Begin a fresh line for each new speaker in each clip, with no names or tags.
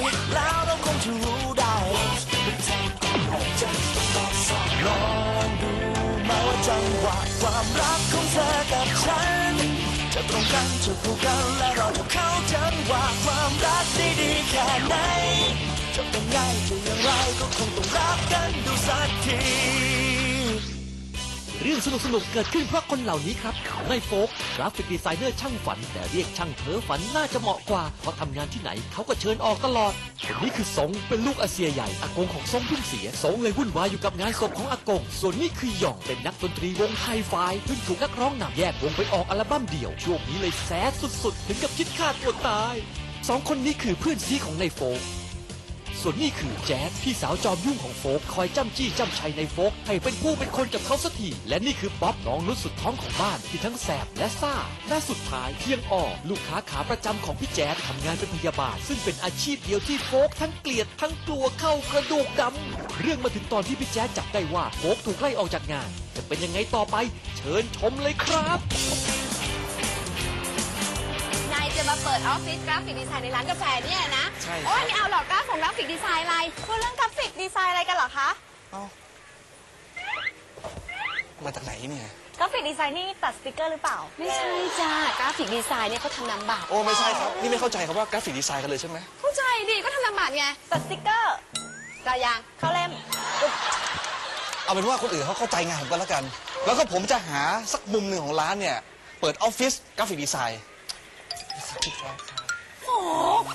แล้วเราคงจะรู้ได้ลองดูมาว่าจังหวะความรักของเธอกับฉันจะตรงกันจะคู่กันและเราจะเข้าจังหวะความรักได้ดีแค่ไหนจะเป็นไงจะอย่างไรก็คงต้องรักกันดูสักที
เรื่องสนุกๆเกิดขึ้นเพราะคนเหล่านี้ครับนายโฟกกราฟิกดีไซเนอร์ช่างฝันแต่เรียกช่างเพ้อฝันน่าจะเหมาะกว่าเพราะทำงานที่ไหนเขาก็เชิญออกตลอดคนนี้คือสงเป็นลูกอาเซียใหญ่อากงของสงเพิ่งเสียสงเลยวุ่นวายอยู่กับงานศพของอากงส่วนนี้คือหย่องเป็นนักดนตรีวงไฮไฟเพิ่งถูกนักร้องนำแยกวงไปออกอัลบั้มเดี่ยวช่วงนี้เลยแสบสุดๆถึงกับคิดฆ่าตัวตายสองคนนี้คือเพื่อนซีของนายโฟกส่วนนี่คือแจ๊ดพี่สาวจอมยุ่งของโฟกคอยจ้ำจี้จ้ำชัยในโฟกให้เป็นผู้เป็นคนกับเขาสักทีและนี่คือป๊อปน้องนุชสุดท้องของบ้านที่ทั้งแสบและซ่าและสุดท้ายเพียงอ่อลูกค้าขาประจำของพี่แจ๊ดทำงานเป็นพยาบาลซึ่งเป็นอาชีพเดียวที่โฟกทั้งเกลียดทั้งกลัวเข้ากระดูกดำเรื่องมาถึงตอนที่พี่แจ๊ดจับได้ว่าโฟกถูกไล่ออกจากงานจะเป็นยังไงต่อไปเชิญชมเลยครับ
จะมาเปิดออฟฟิศกราฟิกดีไซน์ในร้านกาแฟเนี่ยนะ
ใช่
โอ้ยไม่เอาหรอกกราฟิกดีไซน์อะไรพูดเรื่องกราฟิกดีไซน์อะไรกันเหรอคะ
มาจากไหนเนี่ย
กราฟิกดีไซน์นี่ตัดสติกเกอร์หรือเปล่าไม่ใช่จ้ากราฟิกดีไซน์เนี่ยเขาทำนามบัตร
โอ้ไม่ใช่ครับนี่ไม่เข้าใจครับว่ากราฟิกดีไซน์กันเลยใช่ไหม
เข้าใจดิก็ทำนามบัตรไงตัดสติกเกอร์กายางเข้าเล่ม
เอาเป็นว่าคนอื่นเขาเข้าใจงานผมก็แล้วกันแล้วก็ผมจะหาสักมุมหนึ่งของร้านเนี่ยเปิดออฟฟิศกราฟิกดีไซน์
โอ้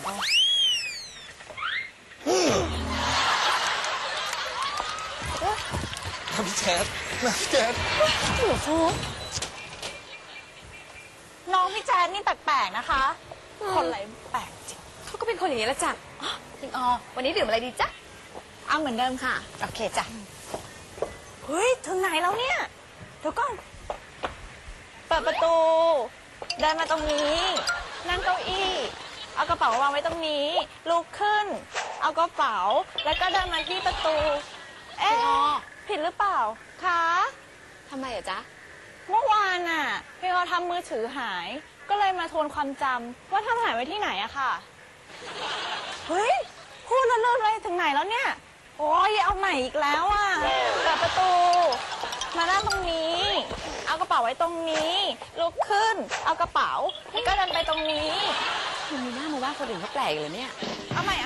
ครับพี่แจ๊ดพี่แจ๊ด
โอ้โหน้องพี่แจ๊ดนี่แปลกๆนะคะคนอะไรแปลกจริงเขาก็เป็นคนอย่างนี้แหละจ้ะจริงอ๋อวันนี้ดื่มอะไรดีจ๊ะเอาเหมือนเดิมค่ะโอเคจ้ะเฮ้ยถึงไหนแล้วเนี่ยเดี๋ยวก่อนเปิดประตูเดินมาตรงนี้นั่งเก้าอี้เอากระเป๋าวางไว้ตรงนี้ลุกขึ้นเอากระเป๋าแล้วก็เดินมาที่ประตูเอ๊ะผิดหรือเปล่าคะทำไมอะจ๊ะเมื่อวานน่ะพี่เขาทำมือถือหายก็เลยมาทวนความจำว่าทำหายไว้ที่ไหนอะค่ะเฮ้ยพูดแล้วเลิกเลยถึงไหนแล้วเนี่ยโอ้ยเอาใหม่อีกแล้วอะเปิดประตูมานั่งตรงนี้เอากระเป๋าไว้ตรงนี้ลุกขึ้นเอากระเป๋าแล้วก็เดินไปตรงนี้คุณมีหน้ามาว่าคนอื่นเขาแปลกเลยเนี่ยเอาใหม่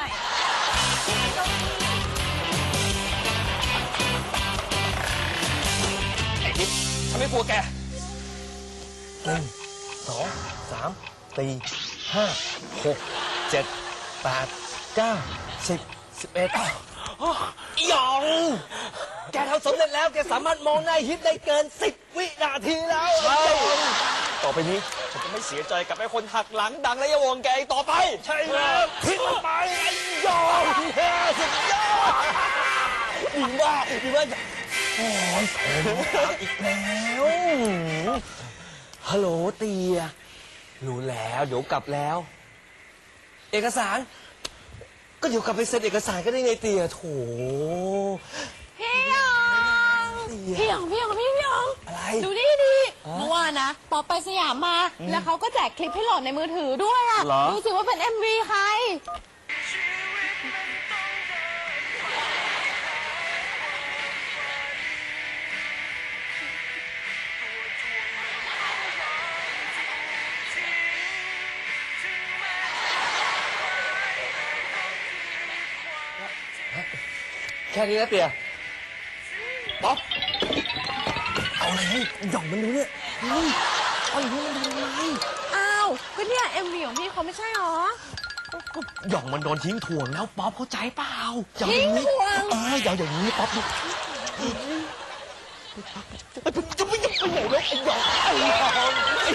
ไอ้ทิพย์ฉันไม่กลัวแก
1 2 3 4 5 6 7 8 9 10 11หยองแกทำสำเร็จแล้วแกสามารถมองหน้าฮิตได้เกิน10 วินาทีแล้วใช่ต่อไปนี้ฉันจะไม่เสียใจกับไอ้คนหักหลังดังและยวงแกอีกต่อไปใช่แล้วทิ้งมันไปไอ้หยองสุดยอดดีมากโอ้ยผมอีกแล้วฮัลโหลเตียรู้แล้วเดี๋ยวกลับแล้วเอกสารก็เดี๋ยวกลับไปเซ็นเอกสารก็ได้ไงเตียโถ
พี่หยอง
อะไร
ดูดิเมื่อวานนะป๊อปไปสยามมาแล้วเขาก็แจกคลิปให้โหลดในมือถือด้วยอ่ะดูสิว่าเป็น MV ใคร
แค่นี้นะเตียป๊อปเอาอะไรให้หย่องมันดูเนี่ยเอาอย่างนี้มันทำอะไร
อ้าวก็เนี่ย MV ของพี่เขาไม่ใช่หรอ
ก็หย่องมันโดนทิ้งถ่วงแล้วป๊อปเข้าใจเปล่า
ทิ้งถ่วง
อย่างนี้ป๊อปจะไม่ยังไปไหนแล้วไอ้หย่องทำอะไรออก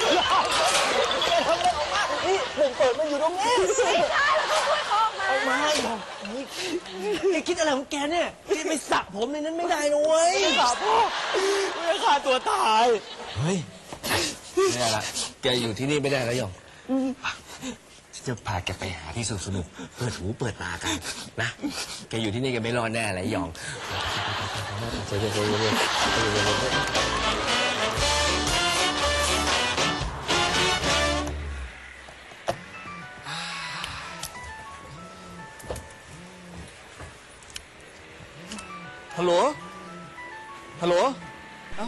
มานี่เปิดมันอยู่ตรงนี้
ไม่ได้เราต้องช่วยเขาออกมา
หย่องแกคิดอะไรของแกเนี่ยแกไปสระผมในนั้นไม่ได้นะเว้ยสระพ่อไม่ฆ่าตัวตายเฮ้ยนี่แหละแกอยู่ที่นี่ไม่ได้แล้วหย่องฉันจะพาแกไปหาที่สนุกเปิดหูเปิดตากันนะแกอยู่ที่นี่แกไม่รอดแน่เลยหย่อง
ฮัลโหล ฮัลโหล เอ้า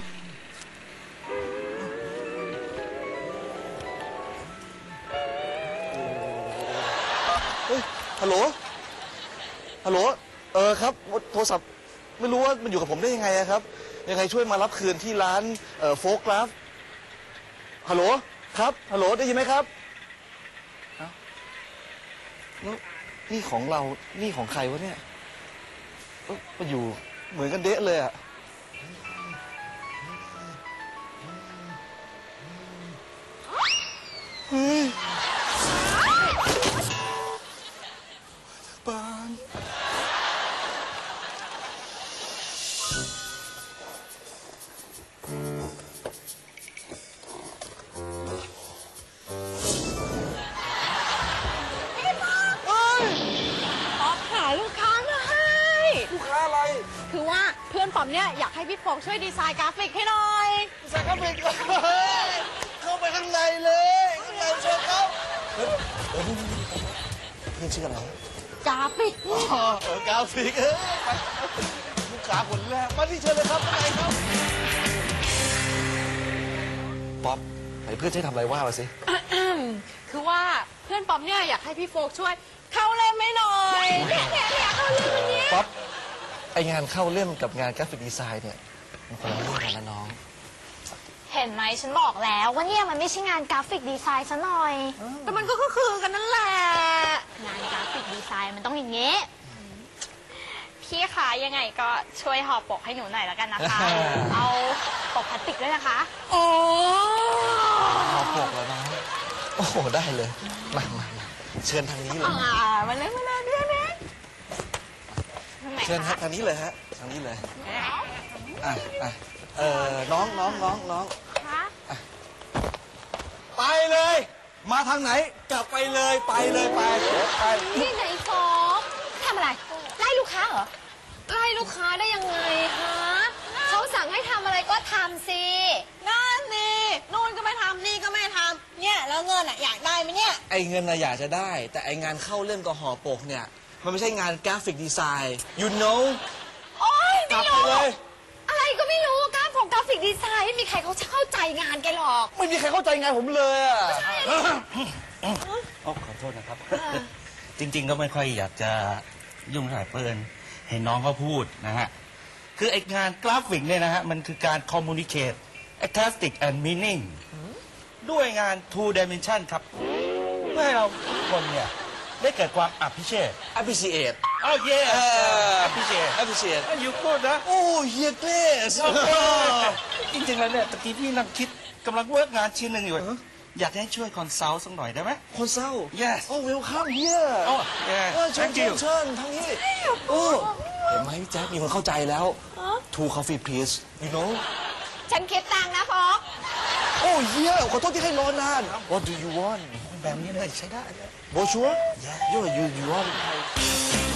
เฮ้ย ฮัลโหล ฮัลโหล ครับ โทรศัพท์ไม่รู้ว่ามันอยู่กับผมได้ยังไงอะครับ ยังไงช่วยมารับคืนที่ร้านโฟกราฟฮัลโหล ครับ ฮัลโหล ได้ยินไหมครับเอ้าแล้วนี่ของเรา นี่ของใครวะเนี่ยมันอยู่เหมือนกันเดะเลยอะเฮ้ยปาน
ป๊อปหาลูกค้ามาให้
ลูกค้าอะไร
คือว่าเพื่อนป๊อปเนี่ยอยากให้พี่โฟกช่วยดีไซน์กราฟิกให้หน่อย
ใส่เข้าไปเข้าไปข้างในเลยข้างในเชิญเขาเพื่อนชื่ออะไร
กราฟิก
กราฟิกไปลูกค้าคนแรกมาที่เชิญเลยครับข้างในครับป๊อปไหนเพื่อนจะทำอะไรว่ามาสิ
คือว่าเพื่อนป๊อปเนี่ยอยากให้พี่โฟกช่วยเข้าเล่มให้หน่อยเนี่ยเข้าเล่มอันเนี้ย
ป๊อปไองานเข้าเล่มกับงานกราฟิกดีไซน์เนี่ยมันคนละเรื่องกันนะน้อง
เห็นไหมฉันบอกแล้วว่าเนี่ยมันไม่ใช่งานกราฟิกดีไซน์ซะหน่อย
แต่มันก็คือกันนั่นแหละ
งานกราฟิกดีไซน์มันต้องอย่างเงี้ยพี่คะยังไงก็ช่วยห่อปกให้หนูหน่อยแล้วกันนะคะ เอาปกพลาสติกด้วยนะคะ
โอ้
เอาปกแล้วน้องโอ้โหได้เลยมาเชิญทางนี้เลย
มาเลยเนี่ย
เชิญฮะทางนี้เลยฮะทางนี้เลยน้อง
คะ
ไปเลย มาทางไหนกลับไปเลยไป
นี่ไหนโฟกทำอะไร ไล่ลูกค้าเหรอ
ไล่ลูกค้าได้ยังไงฮะ
เขาสั่งให้ทำอะไรก็ทำสิ
นั่นนี่นู่นก็ไม่ทำนี่ก็ไม่ทำเนี่ยแล้วเงินอ่ะอยากได้ไหมเนี่ย
ไอเงินน่ะอยากจะได้ แต่ไองานเข้าเล่มกับห่อปกเนี่ยมันไม่ใช่งานกราฟิกดีไซน์ you know
โอ๊ย
กลั
ไม่
บไป
รู้
เลย
อะไรก็ไม่รู้กราฟิกดีไซน์ไม่มีใครเขาจะเข้าใจงานแกหรอก
ไม่มีใครเข้าใจงานผมเลยอะ
ขอโทษนะครับ จริง ๆ ก็ไม่ค่อยอยากจะยุ่งเท่าไหร่เปิลเห็นน้องเขาพูดนะฮะ คือไองานกราฟิกเนี่ยนะฮะ มันคือการ communicate artistic and meaning ด้วยงาน two dimension ครับ เพื่อให้เราทุกคนเนี่ย ได้เกิดความ appreciate
appreciate
โอเค appreciate
appreciate
อยู่พูดนะ
โอ้เฮียเกรส
จริงๆแล้วเนี่ยตะกี้พี่นั่งคิดกำลังเวิร์กงานชิ้นหนึ่งอยู่ อยากให้ช่วยคอนซัลท์สักหน่อยได้ไหม
คนเศร้า
Yes
โอ้ welcome here
โอ้ yeah
เชิญ
thank you
เชิญทางนี้โอ้เห็นไหมพี่แจ๊คมีคนเข้าใจแล้ว two coffee please you know
ฉันคิดตังค์นะโฟก
โอ้เฮียขอโทษที่ให้รอนาน what do you want
แบบนี้เลยใช้ได้
brochure yeah you want